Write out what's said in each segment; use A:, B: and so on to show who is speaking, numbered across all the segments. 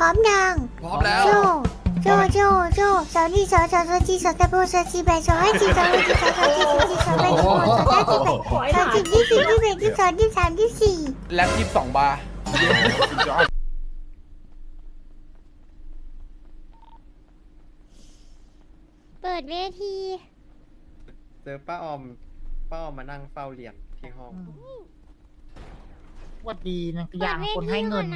A: ร้อมยัง
B: พร้อมแล้ว
A: โจโจสาวนี่สาวจีสาวตะโบสาวจีแบสาวให้จีสาวให้จีสาวจีสาวจีสาวแบสาวสาวจีแบสาวจีที่สี่ที่แบที่สองที่สามที่สี่
B: แล็บ22 บาร์
A: เปิดเวที
C: เจอป้าออมมานั่งเฝ้าเหรียญที่ห้อง
D: วัดดีนะ
A: เปิ
D: อย่า
A: ด
D: ง
A: เว
D: คน
A: ที
D: ให้เงิน
A: ก่อ
D: นะ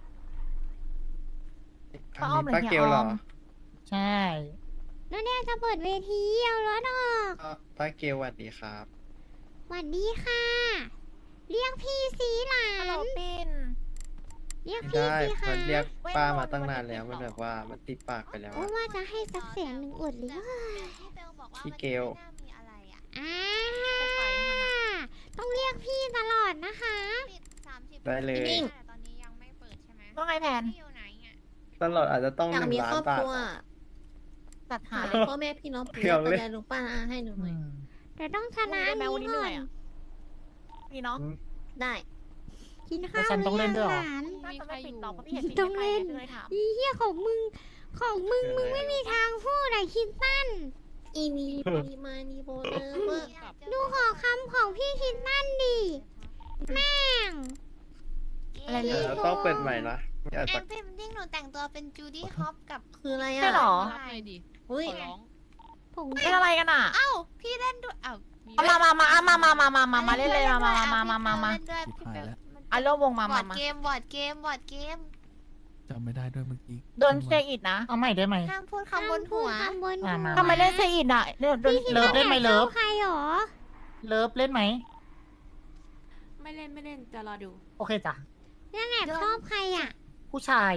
C: อันนี้ป้าเกลเหรอ
D: ใช่
A: แล้วเนี่ยจะเปิดเวทีเอารถออก
C: ป้าเกลสวัสดีครับ
A: สวัสดีค่ะ เรียกพี่สีหลา
E: ฮัลโหล
A: น
E: ปิน
A: เรียก
C: ไม่
A: พี่
C: ได้
A: สิคะ
C: มันเรียกป้ามาตั้งนานแล้วมันแบบว่ามันติดปากไปแล้ว
A: โอ้
C: อะ
A: ว่าจะให้สักเสียงหนึ่งอดเลย
E: พี่เบลบอกว่า
C: พี่เกล
E: มันไม่น่ามีอะไรอ่ะ
A: อ่า
E: จะปล่อยให้มันอะ
A: ต้องเรียกพี่ตลอดนะคะ
E: ปิด30
C: ได้เลย
E: แต่ตอนนี้ยังไม่เปิดใช่ไหม
F: ว่าไงแพน
E: พี่อยู่ไหนอ่ะ
C: ตลอดอาจจะต้อง
G: อยากมี
C: 1 ล้า
G: คน รอบบ
C: าท
G: ครัว
F: จัดหา
G: หา
F: เลย
G: พ่อแม่พี่น้อง
C: เพียวเลย
G: ยายลุงป้าอาให้หนูหน่อย
A: แต่ต้องชนะ
F: ได้ไหม
A: นี้
F: วันนี้เห
A: ก่อ
F: นื่อน ยอ่ะนี่เนาะ
G: ได้
A: กินข้าว
D: แล้วฉันต้องเล่นด้วยเหรอ
A: หลาน
F: น่าจะไม่ปิดหรอกเพราะพี่เห็นปิด
A: ต้อง
F: ไม่
A: เล่
F: ไป
A: น
F: เลยถาม
A: อีเหี้ยของมึงไม่มีทางพูดอะคิดตั้น
G: อีนีมีมานีโบเนอร์เวอร์
A: ดูขอคำของพี่คิดตั้นดิแม่ง
F: อะไรเล
C: เดี๋ย
F: ยว
C: เราต้องเปิดใหม่นะไม่อาจ
E: แอ
C: จะ
E: นเป็นดิ้งหนูแต่งตัวเป็นจูดี้ฮอปกับ
G: คืออะไร
F: ใช่
G: อ่ะ
F: หรอ
E: รับเลยดิ
G: อุ้ย
A: ผง
F: เป็นอะไรกันอ่ะ
E: เอ้าพี่เล่นด้วยเอ้า
F: เอามาเล่นเลยมา
E: เล่นด้วยพี่เบล
F: อ่ะร่วมวงมา
E: บอร์ดเกมบอร์ดเกม
H: จำไม่ได้ด้วยเมื่อกี้
F: โดนเซอิดนะ
D: เอาใหม่ได้ไหม
E: ห้ามพูดคำบนหัว
A: คำบนหัว
D: มา
F: ทำไมเล่นเซอิดอ่ะโดน
D: เลิฟเล่นไหมเลิฟ
A: ใครหรอ
D: เลิฟเล่นไหม
I: ไม่เล่นจะรอดู
D: โอเคจ้ะ
A: นั่นแอบชอบใครอ่ะ
D: ผู้ชาย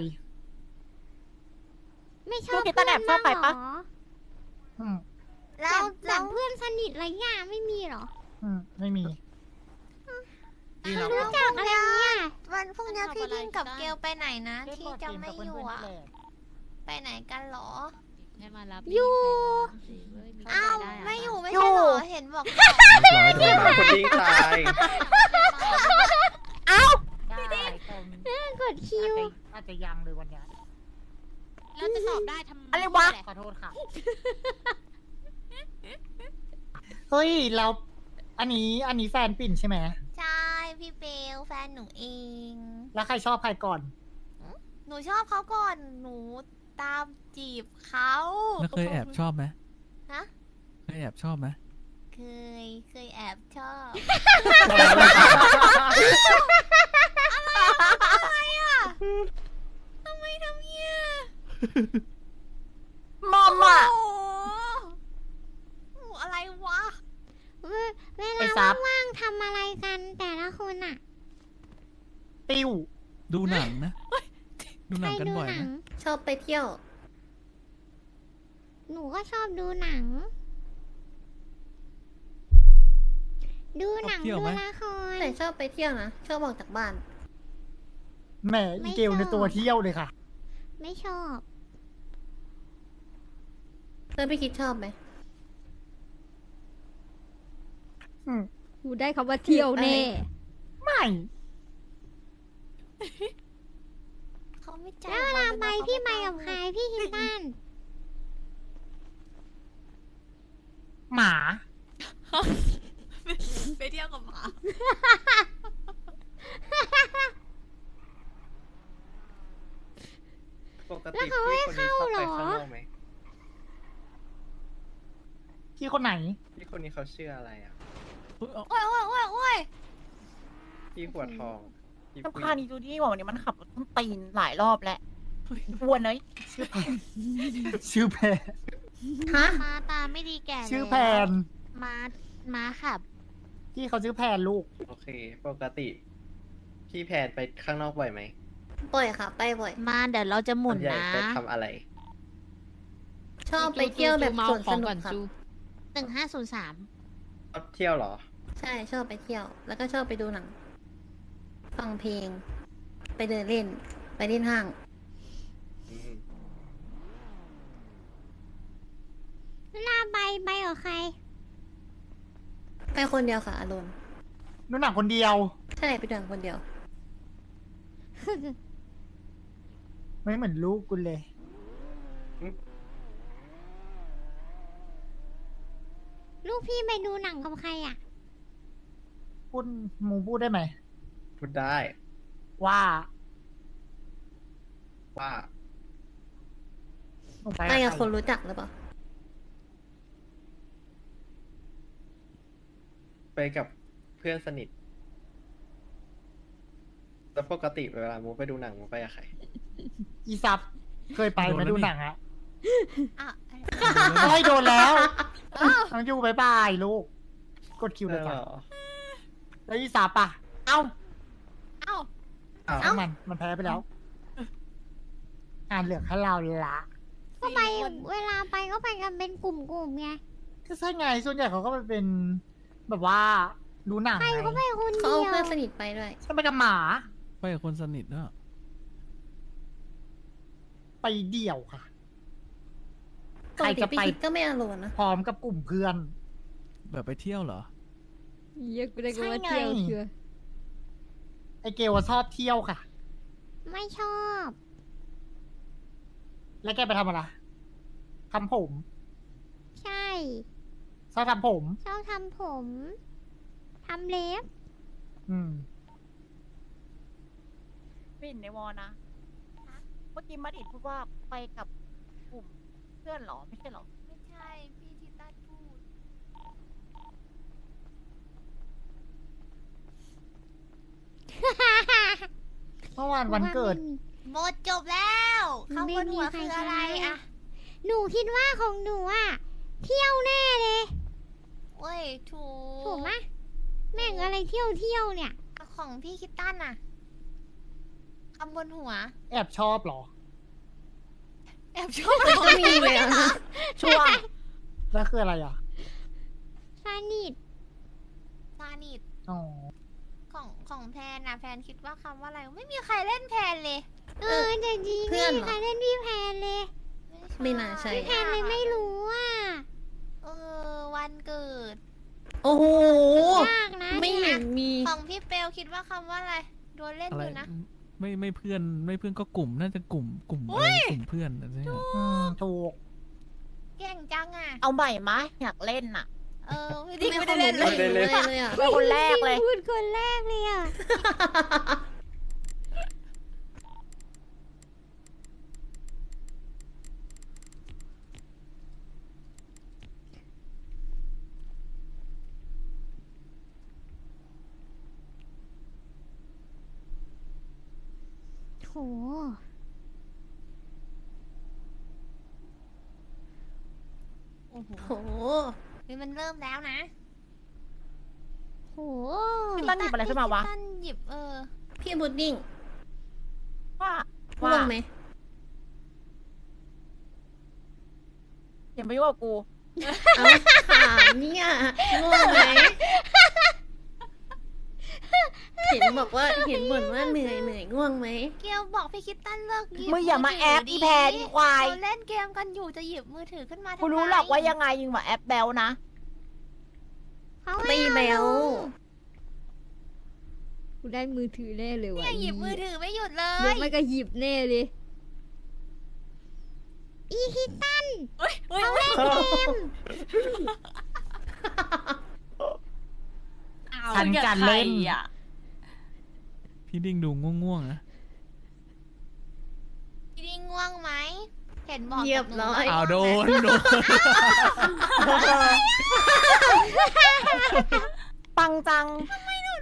A: ไม่ชอบเพื่อนบ้างเหรอ
D: อืม
A: แบบเพื่อนสนิทอะไรเงี้ยไม่มีเหรอ
D: ไม่มี
H: พี่น้อง
A: รู้จักอะไรเนี่ย
E: วันพรุ่งนี้พี่ดิ้งกับเกลไปไหนนะ
D: เล่น
E: ที่
D: บอร์ด
E: จะ
D: เกม
E: ไม่
D: กับ
E: อ
D: เพื่
E: ยู่
D: อนๆ
E: อ่ะ
D: นี่แหละ
E: ไปไหนกันเหรอ
I: ให้มารับ
A: อยู่
E: อ้าวไม่อยู่ไม่
F: อยู่
E: ใช่เหรอเห็นบอก
H: เรียบร้อย
C: คนดิ้งตาย
D: ได้
A: กดคิว
D: อาจจะยังเลยวันนี้
I: แล้วจะสอบได้ทำ
F: อะไรวะ
D: ขอโทษค่ะ เฮ้ยเราอันนี้แฟนปิ่นใช่ไหม
E: ใช่พี่เบลแฟนหนูเอง
D: แล้วใครชอบใครก่อน
E: หนูชอบเขาก่อน หนูตามจีบเขา
H: แล้วเคยแอบชอบไหม
E: ฮะ
H: เคยแอบชอบไหม
E: เคยแอบชอบ ทำไมทำเนี้ย
F: มอมอ่ะ
E: โอ้โหอะไรวะ
A: เว
D: ไอ้
A: ลา
D: ซับ
A: ว่างๆทำอะไรกันแต่ละคนอ่ะ
D: ติ้ว
H: ดูหนังนะ ดูห
A: ใค
H: นั
A: รง
H: กัน
A: ดู
H: บ่อย
A: หนั
H: นะ
A: ง
G: ชอบไปเที่ยว
A: หนูก็ชอบดูหนัง ดูหนังดูละคร
G: แต่ชอบไปเที่ยวนะ ชอบออกจากบ้าน
D: แหมอีเกลในตัวเที่ยวเลยค่ะ
A: ไม่ชอบ
G: เพื่อนพี่คิดชอบไหม
A: กูได้คำว่าเที่ยวแน่
D: ไม่
E: เขาไม่ใจ
A: แล้วเวลาไปพี่ไปกับใครพี่คิดตัน
D: หมา
I: ไปเที่ยวกับหมา
C: ปกติพี่คนนี้ชอบไปข้างนอกไหม
D: พี่คนไหน
C: พี่คนนี้เขาชื่ออะไรอ่ะ
E: โอ้ยโอ้ยโอ้ยโอ้ย
C: พี่หัวทองพี่
F: สำ
C: ผู้
F: คัญ
C: หญิง
F: อีจูดี้บอกวันนี้มันขับรถต้นตีนหลายรอบแล้ววนเลย
D: ชื่อแพน
G: ฮะ
E: มาตาไม่ดีแก่
D: ชื่อแพน
E: มาขับ
D: พี่เขาชื่อแพนลูก
C: โอเค ปกติ พี่แพนไปข้างนอกบ่อยไหม
G: บ่อยค่ะ ไปบ่อย
E: มาเดี๋ยวเราจะหมุน
C: ส่วใญ่
E: นะ
C: ไปทำอะไร
G: ชอบไปเที่ยวแบบสวนสนุกครับ
E: 1503
C: ชอบเที่ยวเหรอ
G: ใช่ชอบไปเที่ยว แล้วก็ชอบไปดูหนัง ฟังเพลง ไปเดินเล่น ไปเล่นห้าง
C: อืม
A: เวลาไปกับใคร
G: ไปคนเดียวค่ะอารมณ์
D: ดูหนังคนเดียว
G: ใช่ไปเดินคนเดียว
D: ไม่เหมือนลูกกูเลย
A: ลูกพี่ไปดูหนังกับใครอ่ะ
D: พูดมูพูดได้ไหม
C: พูดได้
D: ว่า
C: ว่า
D: หนูไป
G: ไป
D: กับ
G: กับ
D: ใค
G: คน
D: ร
G: รู้จักหรือเปล่า
C: ไปกับเพื่อนสนิทแล้วปกติเวลามูไปดูหนังมูไปกับใคร
D: อีซับเคยไปไหมดูหนังอะ
E: อ่ะ
D: เฮ้ยโดนแล้วน้องยูบายบายลูก กดคิวเลย
C: เหร
D: จ้ะ
C: อ
D: แล้วอีซับอะเอ้า
E: เอ้า
C: อ้าว
D: ช่างมันแพ้ไปแล้ว อ่านเหลือแค่เราละ
A: ก็ไปเวลาไปก็ไปกันเป็นกลุ่มๆไง
D: ก็ใช่ไงส่วนใหญ่เขาก็ไปเป็น แบบว่าดูหนัง
A: ใคร
D: ไง
A: ก็ไปคน
G: เขา
A: เดี
G: เอา
A: ยว
G: เพื่อนสนิทไปด้วย
D: ฉันไปกับหมา
H: ไปกับคนสนิทเนอะ
D: ไปเดี่ยวค่ะ
G: ปกติ
D: ใครจะไป
G: พี่คิดก็ไม่อารมณ์นะ
D: พร้อมกับกลุ่มเพื่อน
H: แบบไปเที่ยวเหรอ
B: เยอะกูได้ก็ว่า
D: ใช่ไง
B: เที่ยวเชื่อ
D: ไอเกลว่าชอบเที่ยวค่ะ
A: ไม่ชอบ
D: แล้วแกไปทำอะไรทำผม
A: ใช่
D: ชอบทำผม
A: ชอบทำผมทำเล็บ
D: อืม
F: ปิ่นในวอนะเมื่อกี้มัดอิดพูดว่าไปกับกลุ่มเพื่อนเหรอ ไม่ใช่เหรอ
E: ไม่ใช่ พี่ทิต้าพูด
D: เมื่อวานวันเกิด
E: หมดจบแล้วข้างบนหัว
A: ไม่มีใคร
E: คืออะไร
A: ใช้
E: อะ
A: หนูคิดว่าของหนูอ่ะ เที่ยวแน่เลย
E: เว้ย ถูก
A: ถูกไหมแม่งอะไรเที่ยวเนี่ย
E: ของพี่คิตตันน่ะคำบนหัว
D: แอบชอบเหรอ
E: แอบชอบ
G: มันก็มีเลยอะนะ
F: ช่วง
A: ส
D: แล้วคืออะไรอ่ะ
A: นิท
E: ซานิด
D: อ๋อ
E: ของแพนน่ะแพนคิดว่าคำว่าอะไร ไม่มีใครเล่นแพนเลย
A: แต่จริง
G: เพื่อนเหรอ
A: ใครเล่นพี่แพนเลย
G: ไม่น่าใช่
A: พี่แพนเลยไม่รู้อ่ะ
E: วันเกิด
G: โอ้โห
A: ยากนะ
G: ไม่เห็นมี
E: ของพี่เปลคิดว่าคำว่าอะไร โดนเล่น
H: อะ
E: อ
H: ไร
E: ยู่นะ
H: ไม่เพื่อนไม่เพื่อนก็กลุ่มน่าจะกลุ่มอะไรกลุ่มเพื่อนอะไรใช่ไหม
D: ถูก
E: เก่งจังอ่ะ
F: เอาใหม่มะอยากเล่นน่ะ
E: ไม่ได้เล่นเลย
G: ไม่ได้เลยอะ
F: เป็นคนแรกเลย
A: พูดคนแรกเลยอ่ะ โห
E: โอ้โห
G: โห
E: นี่มันเริ่มแล้วนะ
A: โห
F: พี่ตั้นหยิบอะไรขึ้นมาวะ
E: พี่ตั้นหยิบ
G: พี่พุดดิ้ง
F: ว่า
G: ง่วงไหม
F: อย่ามายุ่งกับกู
G: เอาถามเนี่ยง่วงไหม เห็นบอกว่าเห็นบ่นว่าเหนื่อยง่วงไหม
E: เกลบอกพี่คิดตันเลิกหยิบ
F: มึงอย่ามาแอปอีแพนอีควาย
E: เราเล่นเกมกันอยู่จะหยิบมือถือขึ้นมาทำไม
F: กูรู้หรอกว่ายังไงยิงมาแอปแบลนะ
A: เขา
G: ไม่
A: ให้
G: แบ
A: เอา
G: ว
A: ลง
B: กูได้มือถือแน่เลยว่ะ
E: เนี่ยหยิบมือถือไม่หยุดเล
B: เดี๋ยวย ไม่ก็หยิบแน่เลย
A: อีฮิตัน
I: เฮ้ย
A: เขาเล่นเกม
D: ฉันการเล่น
H: พี่ดิ้งดูง่วงๆนะ
E: พี่ดิ้งง่วงไหม เห็นบอก
G: เรียบร้อย
H: อ้าวโดน
F: ปังจัง
A: เขาไปน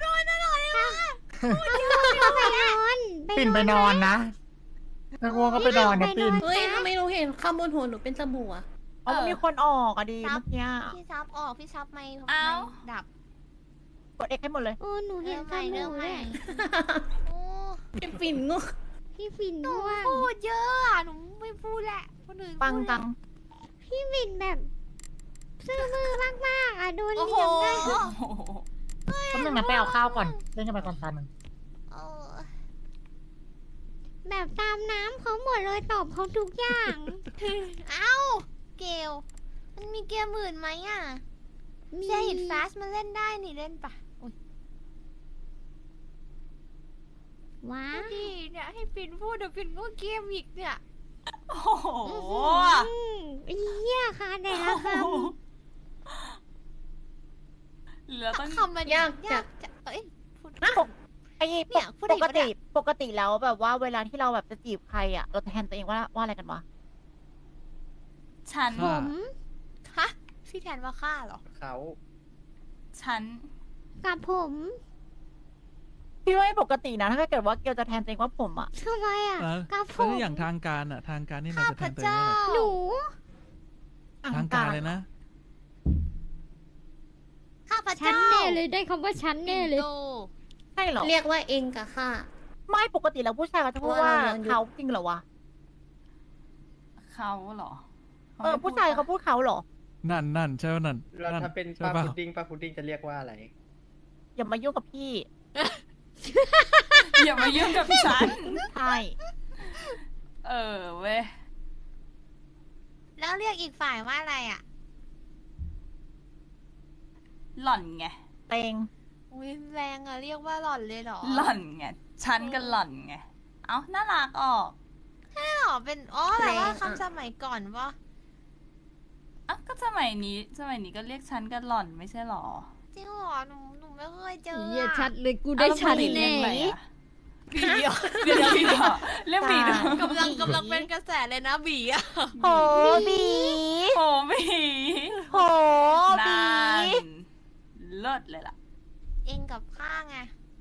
A: อน
D: ปิ่นไปนอนนะนักง่วงก็ไปนอนนะปิ่น
G: เฮ้ยทำไมหนูเห็นข้างบนหัวหนูเป็นสบู่อะ
F: เอามันมีคนออกอะดีเมื่อกี้
E: พี่ซับออกพี่ซับไม่
I: เอ้า
E: ดับ
F: กดเอ็กให้หมดเลย
A: หนูเห็นส
E: เริ่
A: บู่
E: ม
A: เล
E: ใหม่
A: ย
E: โอ้
G: เป็นปิ่นง่วง
A: พี่ฟิน
E: หนู
A: ด้วย
E: พูดเยอะอะหนูไม่พูดแหละคนอื่น
F: ปังจัง
A: พี่ฟินแบบซื่อมือมากๆอ่ะโดน
I: โอ้
A: เลี้
I: โห
A: ยงได้
D: ก็นึงนะไปเอาข้าวก่อน เล่นกันไปก่อนตาหนึ่ง
E: เออ
A: แบบตามน้ำเขาหมดเลยตอบเขาทุกอย่าง
E: เอ้า เกลมันมีเกมอื่นไหมอ่ะเซฮิตฟาสมันเล่นได้นี่เล่นปะอุ๊ย
A: ว้า
E: ดีเนี่ยให้ปิ่นพูดเดี๋ยวปิ่นก็เกมอีกเนี่ย
I: โอ้โห
A: เหี้ยค่ะไหนละค
I: เหลือต้อง
E: คำมัน
G: ยากจัด
E: จะเอ้ยพูด
F: ไอ้
E: เนี่ยพูด
F: ป
E: อีก
F: ก
E: ปะเนี่
F: ติ
E: ย
F: ปกติแล้วแบบว่าเวลาที่เราแบบจะจีบใครอ่ะ เราจะแทนตัวเองว่าอะไรกันวะ
I: ฉัน
H: ค่ะ
E: ฮะพี่แทนว่าฆ่าเหรอ
C: เขา
I: ฉัน
A: ำกับผม
F: พี่ว่าไม่ปกตินะถ้าเกิดว่าเกียวจะแทนตัวเองว่าผมอ่ะ
A: ทำไมอ่ะ
H: แล้ว
A: กับผ
H: แล้ว
A: ม
H: อย่างทางการอ่ะ ทางการนี่เรา
E: ข้า
H: จะ
E: พ
H: แทนตัวเอง
E: เจ้า
H: ว่าอะไร
A: หนู
H: ทางการเลยนะ
E: ข้าพ
B: ฉัน
E: เจ้า
B: แน่เลยได้คำว่าฉันแน่เลย
E: ปิ่นโต
F: ใช่เหรอ
G: เรียกว่าเองกับข้า
F: ไม่ปกติแล้วผู้ชายเขาจะพูดว่า
G: เราย้อนยุค
F: เขาจริงเหรอวะ
I: เขาเหรอ
F: ผู้ชายเขาพูดเขาเหรอ
H: นั่นใช่ป่ะนั่น
C: เรา
H: นั่น
C: ถ้าเป็น
H: ใช่
C: ป้า
H: ป่ะ
C: พุดดิ้งป้าพุดดิ้งจะเรียกว่าอะไร
F: อย่ามายุ่งกับพี่
I: อย่ามายุ่งกับฉัน
F: ใช่
I: เออเว้ย
E: แล้วเรียกอีกฝ่ายว่าอะไรอ่ะ
I: หล่อนไง
F: เต็ง
E: อุ้ยแรงอ่ะเรียกว่าหล่อนเลยเหรอ
I: หล่อนไง ฉันก็หล่อนไง เอ้า น่ารักออก
E: ใช่เหรอเป็นอ๋อแต่ว่า
G: แรงอะ
E: คำสมัยก่อนว่า
I: อ่ะก็สมัยนี้ก็เรียกฉันก็หล่อนไม่ใช่หรอ
E: จริงเหรอหนูไม่เคยเจอ
B: เหี้ย
E: อะ
B: ชัดเลยกูได้ชัด
I: เรีย
B: แน่
I: กอะไรอะบีเหรอเรียกบีเหรอเรียกบีเหรอก
E: ำลังเป็นกระแสเลยนะบีอ่ะ
F: โหบี
I: โอ้บี
F: โหบี
I: นานเลิศเลยล่ะ
E: เองกับข้าไง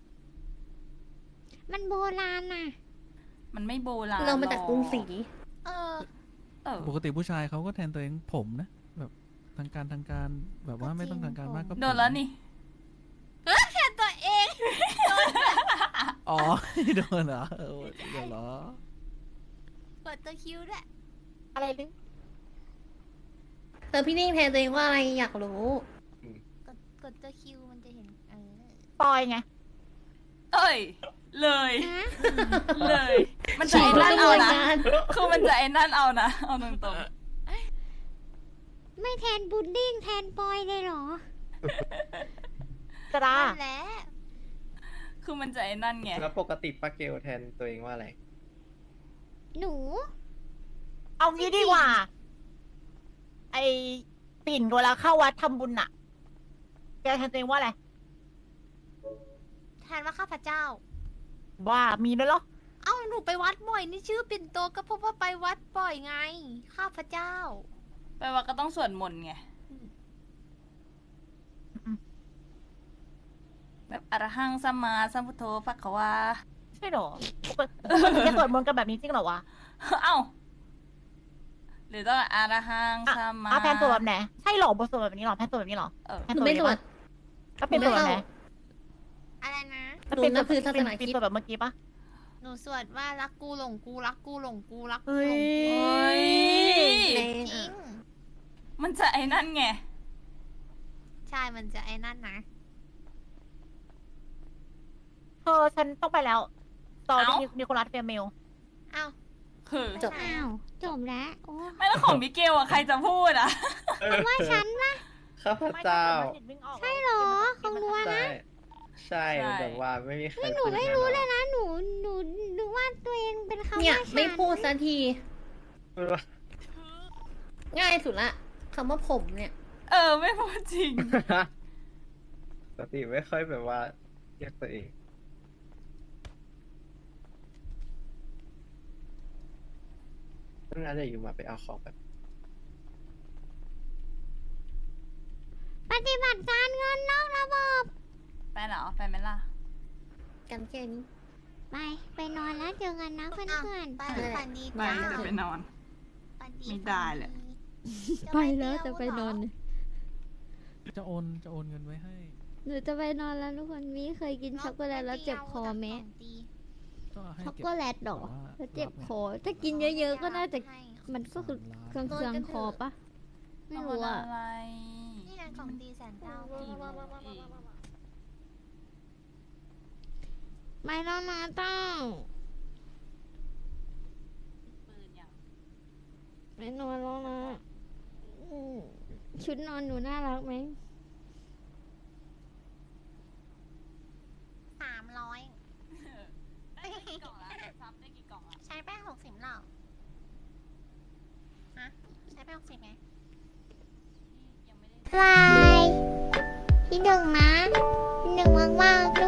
A: มันโบราณน่ะ
I: มันไม่โบราณ
G: เรามาจากกรุงศรี
E: เออ
I: เออ
H: ปกติผู้ชายเขาก็แทนตัวเองผมนะ แบบทางการแบบว่าไม่ต้องทางการมากก็ผม
I: โดนแล้วนี่
E: แทนตัวเอง
H: อ๋อ โดนเหรอเออเดี๋ยวเหรอ
E: กดตัวคิวด้วย
F: อะไรลึ
G: พี่นิ่งแทนตัวเองว่าอะไรอยากรู้
E: กดตัวคิวมันจะเห็น
F: ปอยไง
I: เอ้ย เลย
A: ฮะ
I: เลย มันจะ
G: ฉี
I: ไอ้
G: ก
I: นั่นเอานะ
G: กระบวนการ
I: คือมันจะไอ้นั่นเอานะ เอาตรง
A: ไม่แทนบุดดิ้งแทนปอยเลยเหรอ
F: จะดา
E: นั่นแหละ
I: ๆคือมันจะไอ้นั่นไง
C: แล้วปกติป้าเกลแทนตัวเองว่าอะไร
A: หนู
F: เอางี้ดีกว่า ไอปิ่นเวลาเข้าวัดทำบุญน่ะแกแทนตัวเองว่าอะไร
E: แทนว่าข้าพเจ้า
F: ว่ามีด้วยเหรอ
E: เอ้าหนูไปวัดบ่อยนี่ชื่อปิ่นโตก็เพราะว่าไปวัดบ่อยไง ข้าพเจ้า
I: แปลว่าก็ต้องสวดมนต์ไง แบบอรหังสัมมาสัมพุทโธภควา
F: ใช่เหรอปกติจะสวดมนต์กันแบบนี้จริงเหรอวะ
I: เอ้า หรือต้องอรหัง
F: อ่ะ
I: สัมมา
F: แพนสวดแบบไหนใช่เหรอบทสวดแบบนี้เหรอแพนสวดแบบนี้เหรอ
I: เออ
F: แพ
G: หนูไม่ตรวจ
F: ก็เป็นสวดแบบไหน
E: อะไรนะ
G: หนูนับถือศาสนาคริสต์
F: สวดแบบเมื่อกี้ปะ
E: หนูสวดว่ารักกูหลงกูรักกูหลงกูรักกู
F: เฮ้
E: หลง
F: ย
I: โอ้ย
G: แรง
E: จริ
G: อ่ะ
E: ง
I: มันจะไอ้นั่นไง
E: ใช่มันจะไอ้นั่นนะ
F: ฉันต้องไปแล้วตอน
I: เอ้า
F: นิโคลัสเฟียเมล
E: เอ้า
I: คือ
G: จบ
A: อ้าว จบแล้ว โอ้
I: ไม่แล้วของมิเกลอะใครจะพูดอะ
A: ว่าฉันปะ
C: ข้าพเจ้า
A: ใช่เหรอของหนูอะ
C: ใช่ ใช่แบบว่าไม่มีใคร
A: หนูไม่รู้เลยนะ หนูนึกว่าตัวเองเป็นคำ
G: เนี่ย
A: ว่าฉัน
G: ไม่พูดสักที
C: พูดว่า
G: ง่ายสุดละคำว่าผมเนี่ย
I: เออ ไม่พูดจริง
C: ปกติไม่ค่อยแบบว่าเรียกตัวเองน่าจะอยู่มาไปเอาของแบบ
A: ปฏิบัติการเงินนอกระบบ
I: ไปเหรอ ไปไหมล่ะ
G: กันแค่นี้
A: ไปนอนแล้วเจอกันนะเพื่อน
E: ไป
G: นั่นแหละ
E: ฝันดี
I: ไป
E: จ้า
I: จะไปนอน
E: ฝันดี
I: ไม่ได้เลย
B: ไปแล้วจะไปนอน
H: จะโอนเงินไว้ให้
B: หนูจะไปนอนแล้วทุกคนมีเคยกินช็อกโกแลตแล้วเจ็บคอไหม
H: ก็ให้
B: ช็อก
H: เก็บ
B: โกแลตหรอ
H: แต่ว่า
B: แล้วเจ็บคอ ถ้ากินเยอะๆก็น่าจะมันก็คือเครื่องคอปะไม่รู้อะ
I: อะไร
E: นี่ไงของดีแสนเจ้า
I: กี่โมงเอง
A: ไม่แล้วนะต้อง
I: ปืนยัง
A: ไม่นอนแล้วนะชุดนอนหนูน่ารักไหม
E: 300 ช่ไหม
A: บายที่หนึ่งนะที่หนึ่งมากๆ